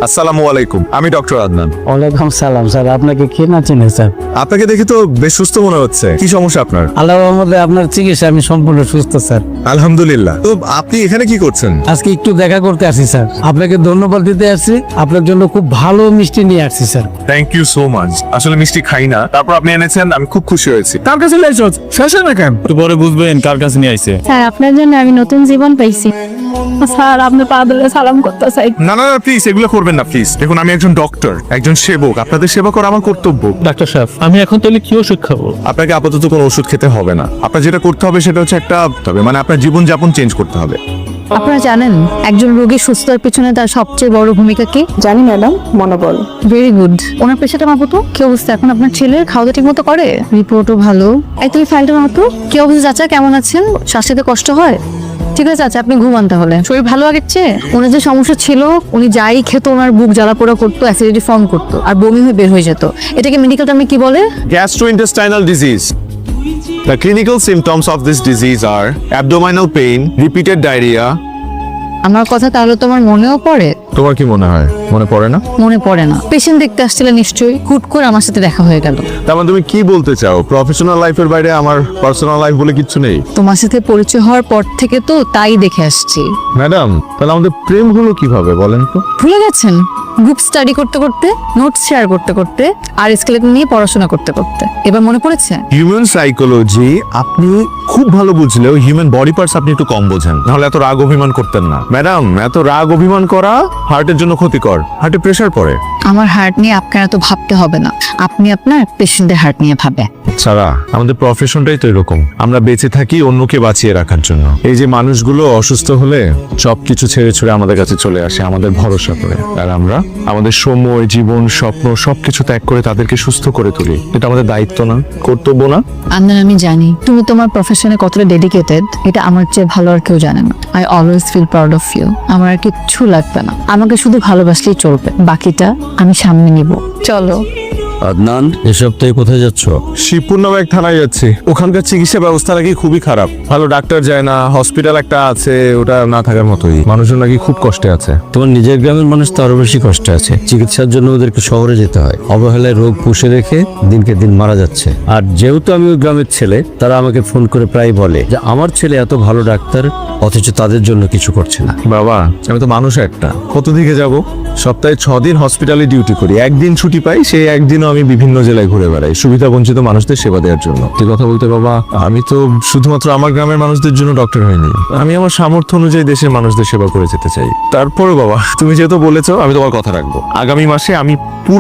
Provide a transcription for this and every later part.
আসসালামু আলাইকুম, আমি ডক্টর আদনান। ওয়ালাইকুম সালাম স্যার, আপনাকে কে না চিনে স্যার? আপনাকে দেখে তো বেশ সুস্থ মনে হচ্ছে। কি সমস্যা আপনার? আল্লাহর রহমতে আপনার চিকিৎসা আমি সম্পূর্ণ সুস্থ স্যার। আলহামদুলিল্লাহ। তো আপনি এখানে কি করছেন? আজকে একটু দেখা করতে আসি স্যার, আপনাকে ধন্যবাদ দিতে আসছি। আপনার জন্য খুব ভালো মিষ্টি নিয়ে আসছি sir. Thank you so much. আসলে মিষ্টি খাই না, তারপর আপনি এনেছেন, আমি খুব খুশি হয়েছি। কার কাছে লাইছো শেষ না কেন? একটু পরে বুঝবেন কার কাছে নিয়ে আইছে। স্যার আপনার জন্য আমি নতুন জীবন পাইছি। স্যার আপনি পা ধরে সালাম করতে চাই। না না প্লিজ, এগুলো করবেন না প্লিজ। দেখুন, আমি একজন ডক্টর, একজন সেবক। আপনাদের সেবা করা আমার কর্তব্য। ডাক্তার সাহেব, আমি এখন তাহলে কি ওষুধ খাবো? আপনাকে আপাতত কোনো ওষুধ খেতে হবে না। আপনার যেটা করতে হবে সেটা হচ্ছে মানে আপনার জীবনযাপন চেঞ্জ করতে হবে। আপনারা জানেন একজন রোগীর সুস্থতার পিছনে তার সবচেয়ে বড় ভূমিকা কি? জানি ম্যাডাম, মনোবল। Very good. ওনার পেশাটা মাপতো কি অবস্থা এখন? আপনার ছেলের খাওয়া ঠিক মতো করে? রিপোর্টও ভালো। এই তুমি ফাইলটা মাপতো কি অবস্থা? চাচা কেমন আছেন? শ্বাস নিতে কষ্ট হয়? ঠিক আছে চাচা, আপনি ঘুমান তাহলে। শরীর ভালো আগের চেয়ে? ওনার যে সমস্যা ছিল, উনি যাই খেতো ওনার বুক জ্বালা পোড়া করতো, অ্যাসিডিটি ফর্ম করতো আর বমি হয়ে বের হয়ে যেত। এটাকে মেডিকেল টার্মে কি বলে? Gastrointestinal disease. The clinical symptoms of this disease are abdominal pain, repeated diarrhea. আমার কথা তাহলে তোমার মনেও পড়ে? তোমার কি মনে হয় মনে পড়ে না? মনে পড়ে না। পেশেন্ট দেখতে আসছিলে নিশ্চয়ই, হুট করে আমার সাথে দেখা হয়ে গেল। তার মানে তুমি কি বলতে চাও, প্রফেশনাল লাইফের বাইরে আমার পার্সোনাল লাইফ বলে কিচ্ছু নেই? তোমার সাথে পরিচয় হওয়ার পর থেকে তো তাই দেখে আসছি। ম্যাডাম, তাহলে আমাদের প্রেম হলো কিভাবে বলেন তো? ভুলে গেছেন? গ্রুপ স্টাডি করতে করতে, নোটস শেয়ার করতে করতে আর স্কেলেটন নিয়ে পড়াশোনা করতে করতে। এবার মনে পড়েছে? হিউম্যান সাইকোলজি আপনি খুব ভালো বুঝলেও হিউম্যান বডি পার্টস আপনি একটু কম বোঝেন। নাহলে এত রাগ অভিমান করতেন না। ম্যাডাম, এত রাগ অভিমান করা হার্টের জন্য ক্ষতিকর। হার্টে প্রেসার পড়ে। আমার হার্ট নিয়ে আপনার এত ভাবতে হবে না, আপনি আপনার পেশেন্টের হার্ট নিয়ে ভাবে। সারা, আমাদের প্রফেশনটাই তো এরকম। আমরা বেঁচে থাকি অন্যকে বাঁচিয়ে রাখার জন্য। এই যে মানুষগুলো অসুস্থ হলে সবকিছু ছেড়ে ছুড়ে আমাদের কাছে চলে আসে আমাদের ভরসা করে, আর আমরা আমাদের সময়, জীবন, স্বপ্ন সবকিছু ত্যাগ করে তাদেরকে সুস্থ করে তুলি। এটা আমাদের দায়িত্ব না, কর্তব্য না? আন্দান, আমি জানি তুমি তোমার প্রফেশনে কতটা ডেডিকেটেড, এটা আমার চেয়ে ভালো আর কেউ জানে না। I always feel proud of you. আমার আর কিচ্ছু লাগবে না, আমাকে শুধু ভালোবাসলেই চলবে, বাকিটা আমি সামনে নিব। চলো। আদনান, এ সপ্তাহে কোথায় যাচ্ছ? শিবপুর নামে এক থানায় যাচ্ছি। ওখানকার চিকিৎসা ব্যবস্থা নাকি খুবই খারাপ। ভালো ডাক্তার যায় না, হসপিটাল একটা আছে, ওটা না থাকার মতোই। মানুষজন নাকি খুব কষ্টে আছে। তোমার নিজের গ্রামের মানুষ তো আরো বেশি কষ্টে আছে। চিকিৎসার জন্য ওদেরকে শহরে যেতে হয়। অবহেলায় রোগ পুষে রেখে দিনকে দিন মারা যাচ্ছে। আর যেহেতু আমি ওই গ্রামের ছেলে, তারা আমাকে ফোন করে প্রায় বলে যে আমার ছেলে এত ভালো ডাক্তার, অথচ তাদের জন্য কিছু করছে না। বাবা, আমি তো মানুষ একটা, কত দিকে যাব? সপ্তাহে 6 দিন হসপিটালে ডিউটি করি, একদিন ছুটি পাই। সেই একদিনও আমি বিভিন্ন জেলায় ঘুরে বেড়াই সুবিধা বঞ্চিত মানুষদের সেবা দেওয়ার জন্য। এই কথা বলতে বাবা, আমি তো শুধুমাত্র আমার গ্রামের মানুষদের জন্য ডক্টর হইনি। আমি আমার সামর্থ্য অনুযায়ী দেশের মানুষদের সেবা করে যেতে চাই। তারপরে বাবা, তুমি যেহেতু বলেছো, আমি তোমার কথা রাখবো। আগামী মাসে আমি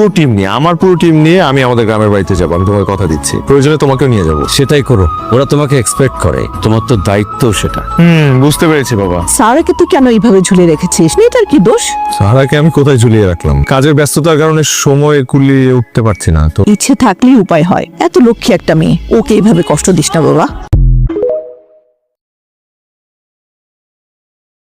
আমার পুরো টিম নিয়ে আমি আমাদের গ্রামের বাড়িতে যাবো। আমি তোমাকে কথা দিচ্ছি, প্রয়োজনে তোমাকেও নিয়ে যাবো। সেটাই করো, ওরা তোমাকে এক্সপেক্ট করে, তোমার তো দায়িত্ব সেটা। বুঝতে পেরেছি বাবা। সারাকে তুই কেন এইভাবে ঝুলিয়ে রেখেছিস? এটার কি দোষ? সারাকে আমি কোথায় ঝুলিয়ে রাখলাম? কাজের ব্যস্ততার কারণে সময় কুলিয়ে উঠতে পারছি না তো। ইচ্ছে থাকলেই উপায় হয়। এত লক্ষ্মী একটা মেয়ে, ওকে এইভাবে কষ্ট দিস না বাবা।